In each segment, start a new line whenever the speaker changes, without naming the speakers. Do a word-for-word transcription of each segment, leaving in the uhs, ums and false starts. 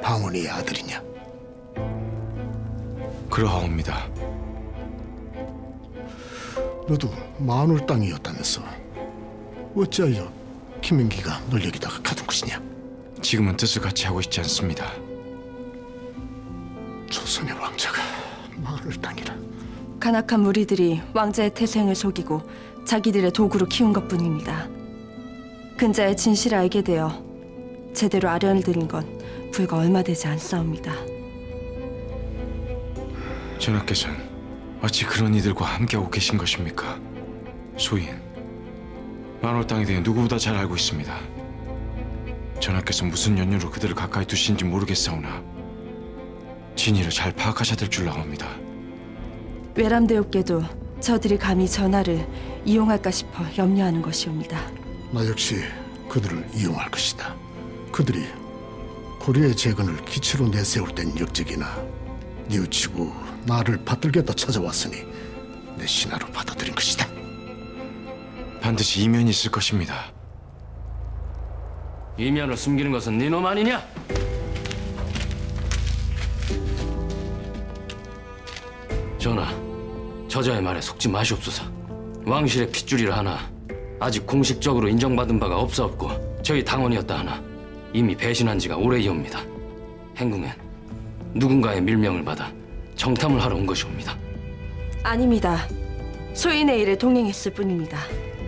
방언이의 아들이냐?
그러하옵니다.
너도 마늘 땅이었다면서 어찌하여 김민기가 널 여기다가 가둔 것이냐?
지금은 뜻을 같이 하고 있지 않습니다.
조선의 왕자가 마늘 땅이라.
간악한 무리들이 왕자의 태생을 속이고 자기들의 도구로 키운 것뿐입니다. 근자의 진실을 알게 되어 제대로 아련을 들인 건 불과 얼마 되지 않사옵니다.
전하께서는 어찌 그런 이들과 함께하고 계신 것입니까? 소인, 만월 땅에 대해 누구보다 잘 알고 있습니다. 전하께서 무슨 연유로 그들을 가까이 두신지 모르겠사오나 진위를 잘 파악하셔야 될 줄 아옵니다.
외람되옵게도 저들이 감히 전하를 이용할까 싶어 염려하는 것이옵니다.
나 역시 그들을 이용할 것이다. 그들이 고려의 재건을 기치로 내세울 땐 역적이나 뉘우치고 나를 받들겠다 찾아왔으니 내 신하로 받아들인 것이다.
반드시 이면이 있을 것입니다.
이면을 숨기는 것은 네놈 아니냐? 전하, 저자의 말에 속지 마시옵소서. 왕실의 핏줄이라 하나 아직 공식적으로 인정받은 바가 없사옵고 저희 당원이었다 하나 이미 배신한 지가 오래이옵니다. 행궁엔 누군가의 밀명을 받아 정탐을 하러 온 것이옵니다.
아닙니다. 소인의 일에 동행했을 뿐입니다.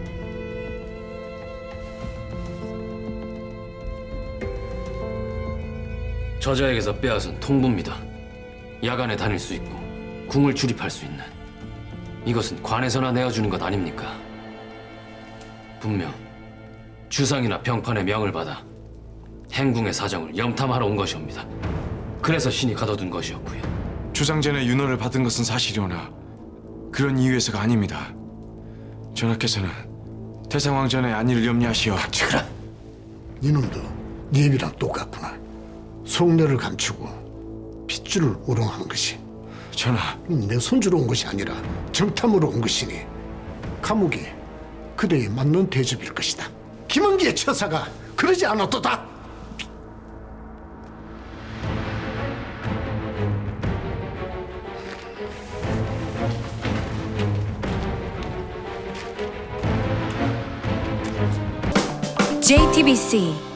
저자에게서 빼앗은 통부입니다. 야간에 다닐 수 있고 궁을 출입할 수 있는, 이것은 관에서나 내어주는 것 아닙니까? 분명 주상이나 병판의 명을 받아 행궁의 사정을 염탐하러 온 것이옵니다. 그래서 신이 가둬둔 것이었고요.
주상전의 윤허를 받은 것은 사실이오나 그런 이유에서가 아닙니다. 전하께서는 태상왕전의 안위를 염려하시어
닥치거라. 니놈도 네 입이랑 똑같구나. 속내를 감추고 핏줄을 우롱하는 것이
전하,
내 손주로 온 것이 아니라 정탐으로 온 것이니 감옥이 그대에 맞는 대접일 것이다. 김은기의 처사가 그러지 않았도다.
제이티비씨